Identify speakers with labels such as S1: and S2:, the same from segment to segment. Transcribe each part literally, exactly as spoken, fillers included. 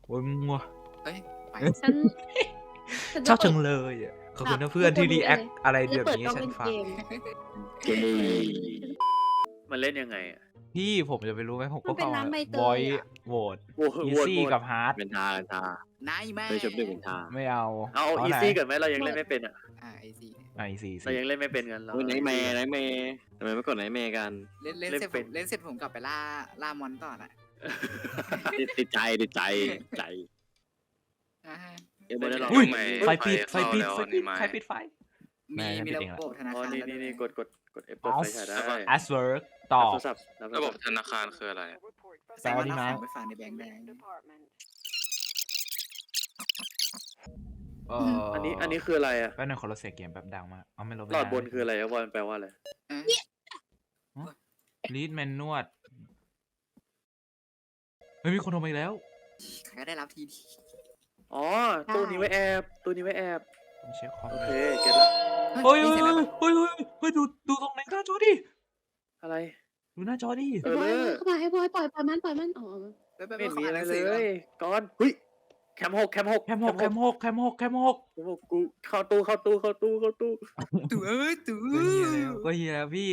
S1: โอ้ยมัว
S2: เอ้ยไป
S3: ฉันฉัน
S1: ช
S3: จะ
S1: อบจัง
S3: เปิด
S1: เลยอะขอบคุณ
S3: ดั
S1: นะ
S3: บ
S1: เพื่อน
S3: ทุกคน
S1: ที่รีแอค
S3: เลย
S1: อะไร
S3: ฉัน
S1: แบ
S3: จะ
S1: บ
S3: เปิด
S1: นี้
S3: กล้อง
S1: ให้ฉั
S3: เล่
S1: น
S3: น
S1: ฟั
S3: เก
S1: ง
S3: ม
S4: เกย์
S2: มันเล่นยังไงอ่ะ
S1: พี่ผมจะไปรู้ไหมผม
S3: มั
S1: ก็
S3: นเป็น
S1: เข้า
S3: ร้านใบเต
S1: บอย
S3: ยอะ
S1: โหวต
S2: โหวต
S1: อี
S2: โหวต
S1: ซี่
S2: โหวต
S1: กับฮาร์ด
S4: เป็นทาเป็นทาน
S2: ายแม่
S4: เคยชมด้วยเป็นทา
S1: ไม่เอา
S2: เอา
S1: เอา
S2: อี
S1: ไหน
S2: ซี่ก่อนไหมเรายังเล่นไม่เป็นอ่ะ
S5: อ่าไอซี
S1: อ่ะอีซี่
S2: เรายังเล่นไม่เป็นกันเรา
S4: โอ้ยไนท์แมร์ไนท์แมร์ทำไมไม่กดไนท์แมร์กัน
S5: เล่นเล่น
S2: เล่น
S5: เสร็จผ
S2: เป็น
S5: มเล่นเสร็จผมกลับไปล่าล่ามอนต่อน่ะ
S4: ติดติดใจติดใจติดใจ
S5: อ่า
S4: เอ็มไม่ได้ลอง
S1: อุ้ย
S4: ไหม
S1: ไฟปิดไฟปิด
S6: เข้า
S1: ไฟ
S6: แล้ว
S1: ปิด
S6: นี่ไม้
S1: ใครปิดไฟ
S5: มี
S1: ไม่
S5: มี
S1: ไม่
S5: ระ
S1: ติดเองละ
S5: บบธนา
S2: อ๋อ
S5: คาร
S2: นี่
S5: แล้ว
S2: นี่
S5: ด้วย
S2: นี่กดกดกด F เปิดไฟฉายได้
S1: แอสเวิร์กต่อ
S2: โทรศัพท์รับโท
S6: ระ
S2: ร
S6: บ
S2: ศั
S6: บ
S2: พท์
S6: ธนาคารคืออะไร
S5: แสดงว่า
S1: แปลว่าดี
S5: เอา
S1: ไหม
S5: ของไปฝากในแบงค์ได้
S1: เอ่อ
S2: อั
S1: อั
S2: นนี้อันนี้คืออะไรอ่ะ
S1: แป๊บนึงขอเราเสียเกมแป๊บดังมากเอาไม่ลบ
S2: หลอดบนคืออะไรอะวอนแปลว่าอะไร
S5: อ่ะ
S1: ลีดแมนนวดเฮ้ยมีคนโทรมาอีกแล้ว
S5: ใครก็ได้รับทีดี
S2: อ๋อตู้นี้ไว้แอบตู้นี้ไว้แอบ
S1: ผมเช็คคอม
S2: โอ
S1: เล
S2: เค
S1: ย
S2: เก็ตละ
S1: เฮ้ย
S5: นี่
S1: เฮ้ย
S5: เสร็จแล้วปะ
S1: เฮ้ยเฮ้ยเฮ้ยดูดูตรงไหนหน้าจอดิ
S2: อะไร
S1: ดูหน้าจอดิ
S2: เออ
S3: บอย
S2: เลอ
S3: เข้ามาให้บอยปล่อยปล่อยมันปล่อยมันอ๋อ
S5: ไปไปไป
S2: ไม่
S5: ข
S2: มี
S5: อ่า
S2: อะ
S5: นห
S2: ไร
S5: นัง
S2: เล
S5: สือก่อน
S2: ยก่อนเฮ้ยแคมหกแคมหก
S1: แคมหกแคมหกแคมหกแคมหก
S2: แคมหกกูเข้าตู้เข้าตู้เข้าตู้เข้าตู้
S5: ตู่เอ้ยตู่
S1: ก็เฮียแล้วก็เฮียแล้วพี่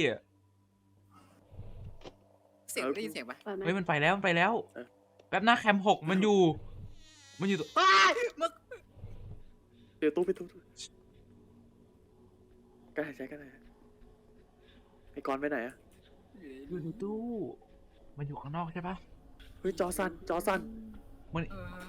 S5: เสียงได้ยินเสียงปะ
S3: ปล่อยมัน
S1: เฮ้ยมันไปแล้วมันไปแล้วแป๊บหน้าแคมหกมันอยู่ มันอยู่ตัว
S5: ว้ายมึก
S2: เดี๋ยวตู้ไปตู้ตู้กล้าหายใจกันเลยไอ้กอนไปไหนอะ
S1: อยู่ในตู้มันอยู่ข้างนอกใช่ปะ
S2: เฮ้ยจอสั่นจอสั่น
S1: มัน
S5: เออ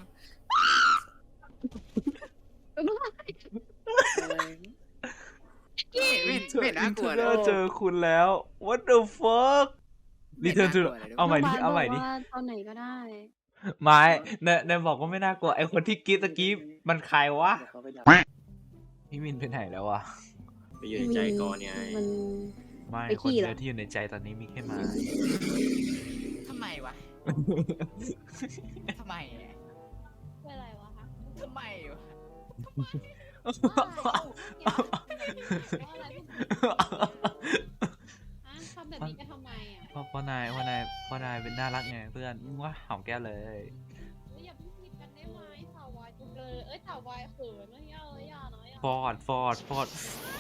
S5: ไม่ไม่ไม่น่ากลัว
S1: เจ
S5: นะ
S1: อเจอคุณแล้ว what the fuck รีเทิร์นทู
S5: ไม่น่ากลัวเลย
S1: เอาใหม่ดิ
S3: น้งบส
S1: เอาใหม่ดิ
S3: บกว่าตอนไหนก็ได้
S1: ไม่เนเนบอกว่าไม่น่ากลัวไอคนที่กรีดตะกี้มันใครวะ
S2: เดี๋ยวเขาไปดับ
S1: พี่มินไปไหนแล้ววะ
S4: ไปอยู่ในใจก่อนไง
S3: มัน
S1: ไม่
S3: ไป
S1: คน
S3: ขี้เหรอ
S1: เดียวที่อยู่ในใจตอนนี้มีแค่ไมา
S5: ทำไมวะทำไมอะ
S3: เป็นอะไรวะคะ
S5: ทำไมวะ
S3: ทำแบบนี้ก็ทำไมอ่ะ
S1: เพราะเพราะนายเพราะนายเพราะนายเป็นน่ารักไงเพื่อนว่าหอมแก้วเลย
S3: อย่าเพิ่งคิดกันได้ไหมสาววายจุกเลยเอ้ยสาววายเขินนะอย่าเลยอย่านะอย่า
S1: ฟอร์ดฟอร์ดฟอร์ด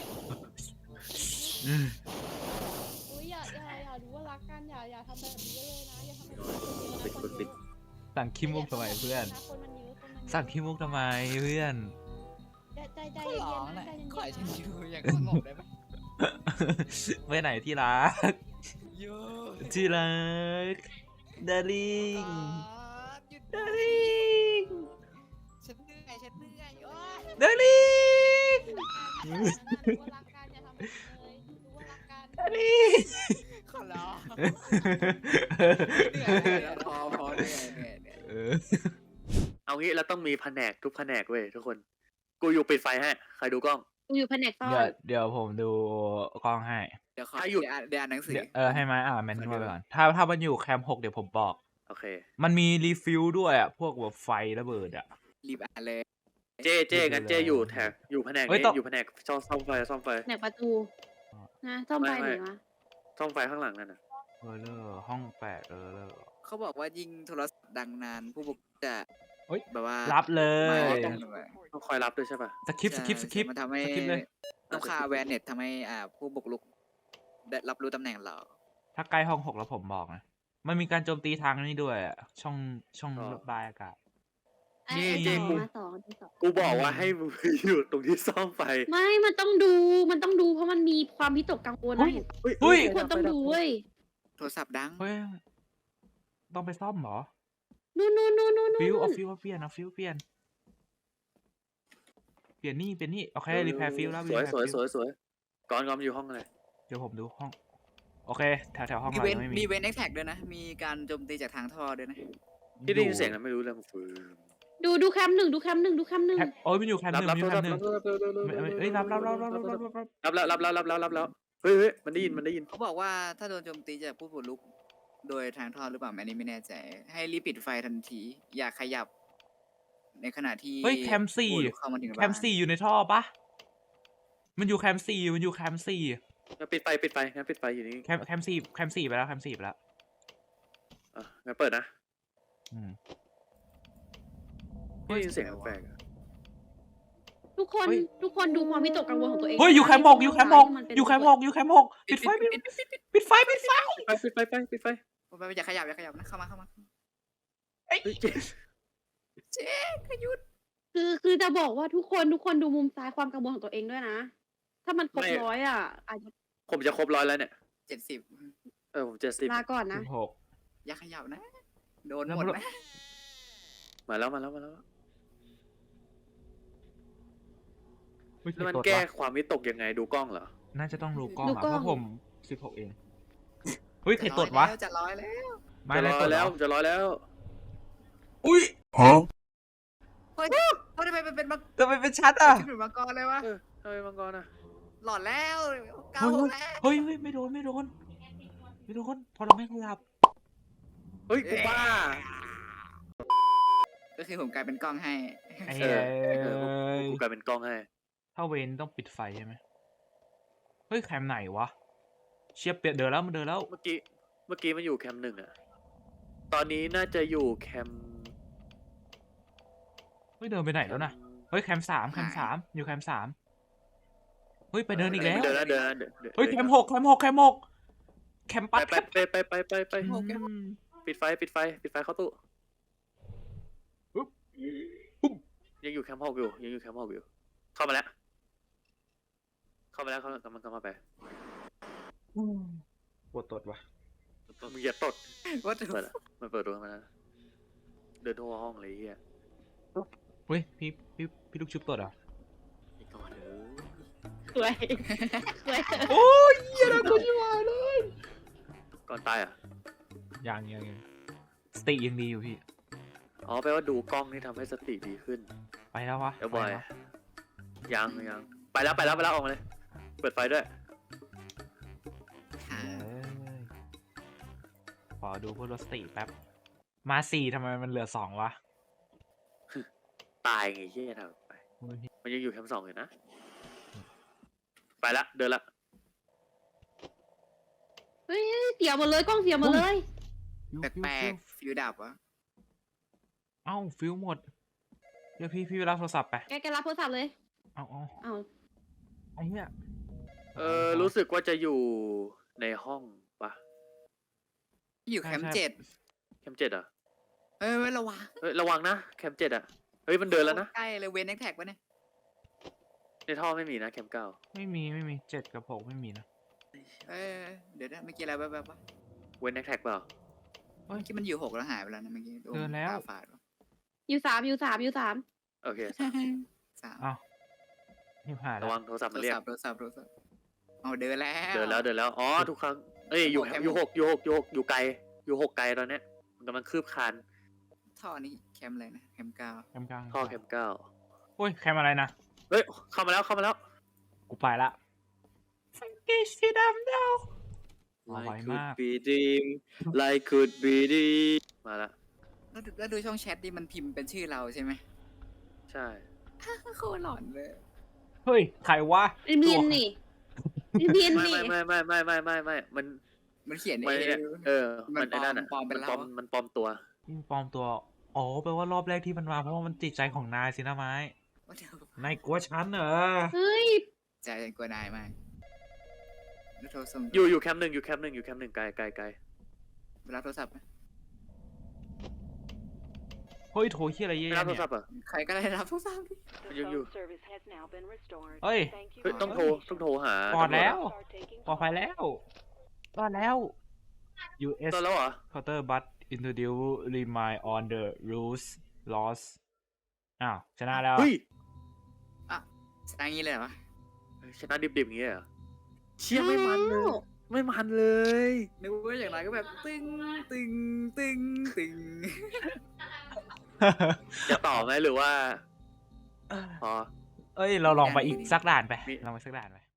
S1: อืม
S3: อุ้ยอย่าอย่าอย่ารู้ว่ารักกันอย่าอย่าทำแบบนี้เลยนะอย่าทำแบบนี้คนเยอะนะคนเยอะ
S1: สั่งขี้มุกทำไมเพื่อน
S3: คนมันเยอะคนมันเยอะ
S1: สั่งขี้มุกทำไมเพื่อน
S3: ใจใจใจ
S5: ขอ
S3: เย็
S5: ร้อง
S3: นๆ
S5: หน่
S3: นะ
S5: อย
S3: ใจเย็นๆ
S5: ขอให้ฉัน
S3: นะ
S5: อยู่อย่างสงบได้ไหม
S1: ไปไหนที่รัก
S5: โย่
S1: ที่รักดาริง
S5: หยุด
S1: ดาริง
S5: ฉันเหนื่อยฉันเหนื่อยโอ๊ย
S1: ดาริง
S3: รู้ว่ารักกันอย่าทำแบบนี้เลยรู้ว่ารักกัน
S1: ดาริง
S5: ขอร้องเหนื่อยแล้วพอพอเหนื่อยเหนื่อยเหนื่อย
S1: เออ
S2: เอางี้เราต้องมีแผนกทุกแผนกเว้ยทุกคน กูอยู่ปิดไฟให้ใครดูกล้อง
S3: กูอยู่แผนกซ่อ
S1: เดี๋ยวน เดี๋ยวผมดูกล้องให้
S5: เดี๋ยวขอ
S2: ถ้าอยู่
S5: เดี๋ยวอ่านเดี๋ยวอ่านหนังสือ
S1: เดี๋ยวเออให้ไม้อ่านแมนนวลไปก่อนถ้าถ้ามันอยู่แคมป์หกเดี๋ยวผมบอก
S2: โอเค
S1: มันมีรีฟิลด้วยอ่ะ พวกแบบไฟระเบิดอ่ะ
S5: รีบอ่านเลย
S2: เจเจงั้นเจอยู่แถบอยู่แผนก
S1: เฮ้ย
S2: นี้
S1: ต้อง
S2: อยู่แผนกซ่อมซ่อมไฟซ่อมไฟ
S3: แผนกประตูนะซ่อมไฟไหนวะ
S2: ซ่อมไฟข้างหลังนั่นน่ะ
S1: เออเลอร์ห้องแปดเออเลอร์
S5: เขาบอกว่ายิงโทรศัพท์ดังนานผู้บุกจะ
S1: เฮ้ย
S5: แบบว่า
S1: รับเล
S5: ไม่
S1: ย
S5: ต้องเลย
S2: ต้องคอยรับด้วยใช่ป่ะ
S1: สคริปต์สคริปต์สคริปต์
S5: มันทำให้
S1: สคริปต์เลย
S5: ต้องค่าแวนเน็ตทำให้อ่าผู้บุกรุกได้รับรู้ตำแหน่งเรา
S1: ถ้าใกล้ห้องหกแล้วผมบอกนะ มันมีการโจมตีทางนี้ด้วยอ่ะ ช่องช่องระบายอากาศ
S3: ไอ้
S2: นี่
S3: ไอ้
S2: เจ
S3: สอง
S2: กู
S3: มาสองที่สอง
S2: กูบอกว่าให้มึงอยู่ตรงที่ซ่อมไฟ
S3: ไม่มันต้องดูมันต้องดูเพราะมันมีความพิตกกังวลนะเห็นปะ
S1: เฮ้ย
S3: ควรต้องดูเว้ย
S5: โทรศัพท์ดัง
S1: เฮ้ย ต้องไปซ่อมเหรอ
S3: นู่นนู่นนู่นนู่น
S1: ฟิว
S3: นู่
S1: เอา
S3: น
S1: ฟิวเอาเปลี่ยนเอาฟิวเปลี่ยน เปลี่ยนนี่เปลี่ยนนี่โอเครีแพร์ฟิวแล้ว
S2: สวย
S1: repair
S2: สวย
S1: field
S2: สวยสวยก่อนก่อนมันอยู่ห้องอะไร
S1: เดี๋ยวผมดูห้อง โอเค แถวแถวห้อง
S5: มี
S1: เรา
S5: เว้น
S1: ยังไม่
S5: มี
S1: มี
S5: เว้นแอคแท็กด้วยนะ มีการโจมตีจากทางท่อด้วยนะ
S2: ที่ได้ยินเสียงนะไม่รู้เรื่องฟืน
S3: ดูดูแคมหนึ่งดูแคมหนึ่งดูแคมหนึ่ง
S1: แคมโอ้ยมันอยู่แคมป์ห
S2: รับ
S1: นึ่ง
S2: รั
S1: มั
S2: บ
S1: นอยู่
S2: รั
S1: แค
S2: บ
S1: มป์หนึ่ง
S2: รับ
S1: ไม่ไม่เอ้ยรับรับรับรับรับรับรับ
S2: รับแล้วรับแล้วรับแล้วรับแล้วเฮ้ยเฮ้ยมันได้ยินมันได้ยิน
S5: เขาบอกว่าถ้าโดนโจมตีจากผู้บุกรุกโดยทางท่อหรือเปล่าอันนี้ไม่แน่ใจ ให้รีบปิดไฟทันที อย่าขยับ ในขณะที่
S1: เฮ้ยแคมป์สี่
S5: ผู้บุกรุกเข้ามาถึง
S1: แคมป์สี่อยู่ในท่อปะมันอยู่แคมป์สี่มันอยู่แคมป์สี่
S2: งั้นปิดไฟปิดไฟงั้นปิดไฟอยู่นี่
S1: แคมป์แคมป์สี่แคมป์สี่ไปแล้วแคมป์สี่ไปแล้ว
S2: อ่ะงั้นเปิดนะ
S1: อืม
S2: ได้ยินเสียงแปลกๆอะ
S3: ทุกคน
S1: เฮ้ย
S3: ทุกคนดูความวิตกกังวลของตัวเอง
S1: เฮ้ยอยู่แคมป์หกอยู่แคมป์หก
S3: มันเป็น
S1: อยู่แคมป์หกอยู่แคมป์หกปิดไฟปิดปิดไฟปิดไฟ
S2: ไปปิดไฟไปปิดไฟ
S5: ไปไปอย่าขยับอย่าขยับนะเข้ามาเข้ามา
S2: เฮ้ยเจ๊
S5: เจ๊ขยุด
S3: คือคือจะบอกว่าทุกคนทุกคนดูมุมซ้ายความกังวลของตัวเองด้วยนะ ถ้ามันครบร้อยอ่ะอาจจะ
S2: ผมจะครบร้อยแล้วเนี่ย
S5: เจ็ดสิบ
S2: เออผมเจ็ดสิบ
S3: ลาก่อนนะ
S1: สิบหก
S5: อย่าขยับนะ โดน
S1: แล้ว
S5: หมด
S1: มัน
S5: นะ
S2: มาแล้วมาแล้วมาแล้ว
S1: เฮ้ย
S2: แล้วมัน
S1: ผิดกฎ
S2: แก้
S1: วะ
S2: ความวิตกยังไงดูกล้องเหรอ
S1: น่าจะต้องดูกล้อง
S3: ดู
S1: อะ
S3: กล้อง
S1: เพราะผมสิบหกเองเฮ้ยใคร
S5: จะ
S1: ต
S5: ร้อ
S1: ด
S5: ยว
S1: ะ
S5: แล้วจะร้อยแล้ว
S1: ไม่
S2: จะ
S1: ได้
S2: ร้
S1: ต
S2: อย
S1: ด
S2: แล้ว
S1: วะ
S2: ผมจะร้อยแล้ว
S1: อุ้ย
S5: เฮ้ยเขาทำไมมันเป็นมัง
S1: ทำไมเป็นชัดอ่ะ
S5: ขึ้นเป็นมังกรเลยวะ
S2: เออทำไมมังกรอ่ะ
S5: หลอดแล้วเก้าแล้ว
S1: เฮ้ยเฮ้ยไม่โดนไม่โดนไม่โดนพอเราไม่ขยับ
S2: เฮ้ยกูบ้า
S5: ก็คือผมกลายเป็นกล้องให้
S1: ไอ้
S2: เอ
S1: เอ้
S2: อเออผม
S1: ย
S2: กูกลายเป็นกล้องให้
S1: ถ้าเวนต้องปิดไฟใช่ไหมเฮ้ยแคมป์ไหนวะเชียบเปียเดินแล้วมันเดินแล้ว
S2: เมื่อกี้เมื่อกี้มันอยู่แคมป์หนึ่งอะตอนนี้น่าจะอยู่แคมป์
S1: เฮ้ยเดินไปไหนแล้วนะเฮ้ยแคมป์สามแคมป์สามอยู่แคมป์สามเฮ้ยไปเดินอีกแล้ว
S2: เดินแล้วเดินแล้วเดินดิน
S1: เฮ้ยแคมป์หกแคมป์หกแคมป์หกแคมป์
S2: ไป
S1: ปัด
S2: ไปไปไปไปไปไป
S1: อืม
S2: ปิดไฟปิดไฟปิดไฟเข้าตู้
S1: ปุ๊บปุ๊บ
S2: ยังอยู่แคมป์หกอยู่ยังอยู่แคมป์หกอยู่ เข้ามาแล้ว เข้ามาแล้วเขากำลังกำลังไป
S1: ปวดตดวะ
S2: มึงอย่าตด
S5: ว่า
S2: เปิดอะมันเปิดดูมาแล้วเดินทั่วห้องเลยไอ้เฮีย
S1: เฮ้ยพี่พี่พี่ลูกชุบตดเหรอ่ะ
S4: ไอ้ก่อนเด้อ
S3: สวยสวย
S1: โอ้ยเหี้ยนะกูชิวายเลย
S2: ก่อนตายอ่ะ
S1: ยังยังยังสติยังดีอยู่พี่
S2: อ๋อแปลว่าดูกล้องนี่ทำให้สติดีขึ้น
S1: ไปแล้ววะ
S2: เดี๋ยวบอย
S1: ไปแล้ว
S2: ยังยังไปแล้วไปแล้วไปแล้วออกมาเลย เปิดไฟด้วย
S1: เอ้ยขอดูเพื่อลดสติแป๊บ มาสี่ทำไมมันเหลือสองวะ
S2: ตายไงเฮียทำไป มันยังอยู่แคมป์สองอยู่นะ ไปละเดินละ
S3: เฮ้ยเสียหมดเลยกล้องเสียหมดเลย
S5: แปลกๆฟิวดับวะ
S1: ๆเอ้าฟิวหมด เดี๋ยวพี่พี่ไปรับโทรศัพท์ไป
S3: แกแกรับโทรศัพท์เลย
S1: เอาเอา
S3: เอา
S1: ไอ้เหี้ย
S2: เออรู้สึกว่าจะอยู่ในห้องปะ
S5: อยู่แคมป์เจ็ด
S2: แคมป์เจ็ดอ่ะ
S5: เฮ้ยเว้ยระวัง
S2: เฮ้ยระวังนะแคมป์เจ็ดอ่ะเฮ้ยมันเดินแล้วนะ
S5: ใกล้เลยเวนแน็กแท็กวะเนี่ย
S2: ในท่อไม่มีนะแคมป์เก้า
S1: ไม่มีไม่มีเจ็ดกับหกไม่มีนะ
S5: เออเดี๋ยวนะเมื่อกี้อะไรแบบๆวะ
S2: เว้นแน็กแท็กเปล่า
S5: เมื่อกี้มันอยู่หกแล้วหายไปแล้วนะเมื่อกี้โ
S1: เดินแล้ว
S5: ตาฝาดวะ
S3: อยู่สามอยู่สามอยู่สาม
S2: โอเค
S5: สาม
S1: เอ้านี่ผ่านแล้
S2: ระ
S1: ว
S2: วังโทรศัพท์
S5: โท
S2: มัน
S5: ร
S2: เรียก
S5: ศัพท์โทรศัพท์โทรศัพท์เอาเดินแล้ว
S2: เดินแล้วเดินแล้วอ๋อทุกครั้งเอ้ยอยู่
S5: แคมป์
S2: อยู่หกอยู่หกอยู่หกอยู่ไกลอยู่หกไกลตอนเนี้ยมันกำลังคืบคาน
S5: ท่อนี้แคมป์อะไรนะแคมป์เก้า
S1: แคมป์กลาง
S2: ท่อแคมป์เก้า
S1: โอ้ยแคมป์อะไรนะ
S2: เฮ้ยเข้ามาแล้วเข้ามาแล้ว
S1: กูไปละฟังกี้สีดำเดา อ๋อไว
S4: Like
S1: มาก
S4: could be dream like could be dream
S2: มาละ
S5: แล้วดูแล้วดูช่องแชทดิมันพิมพ์เป็นชื่อเราใช่ไหม
S2: ใช่
S5: โคตรหลอนเลย
S1: เฮ้ยใครวะ
S3: เบียนนี่เบียน
S2: ไม่
S3: นี่
S2: ไม่ไม่ไม่ไม่ไม่ไม่ไม่มัน
S5: มันเขียน
S2: มัน
S5: เอ
S2: เนี่ย
S5: ง
S2: เออ
S5: มั
S2: มัน
S5: น
S2: ไอ้นั่นอ่ะ
S5: ปลอมเป็
S2: มัน
S5: น
S2: ปลอม
S5: เรา
S2: มันปลอมตัว
S1: นี่ปลอมตัว อ๋อแปลว่ารอบแรกที่มันมาเพราะว่ามันติดใจของนายสินะไม้
S5: ว่าเดี๋ยวน
S1: ายกลัวฉันเหรอ
S3: เฮ้ย
S5: ใจกลัวนายมากแล้วโทรศัพท์
S2: อยู่อยู่แคมป์หนึ่งอยู่แคมป์หนึ่งอยู่แคมป์หนึ่งไกลไกลไกล
S5: เวลาโทรศัพท์ไหม
S1: เฮ้ยโทรที่อะไรเย
S2: ไม่
S1: อะ
S2: รับโทร
S1: เนี่ย
S2: ศัพท์อ่ะ
S5: ใครก็ได้รับโทรศัพท์ดิ
S2: มันยังอยู่
S1: เฮ้ย
S2: เฮ้ยต้องโทรต้องโทรหา
S1: ปลอดแล้ว
S2: ตำรจ
S1: ปลอดภัยแล้วรอดแล้ว ยู เอส
S2: อะตอนแล้วเหรอ
S1: counter but introduce remind on the rules loss อ้าวชนะแล้ว
S2: เฮ้ย
S5: ชนะงี้เลยเหรอวะ
S2: ชนะดิบๆอย่างเงี้ยเหรอเชี่ยไม่มันเลย ไม่มันเลย
S5: นึกว่าอย่างไรก็แบบตึงตึงตึงตึง
S2: จะต่อไหมหรือว่าพอ
S1: เอ้ย เราลองไปอีกสักด่านไป
S2: มี
S1: ลองไปสักด่านไป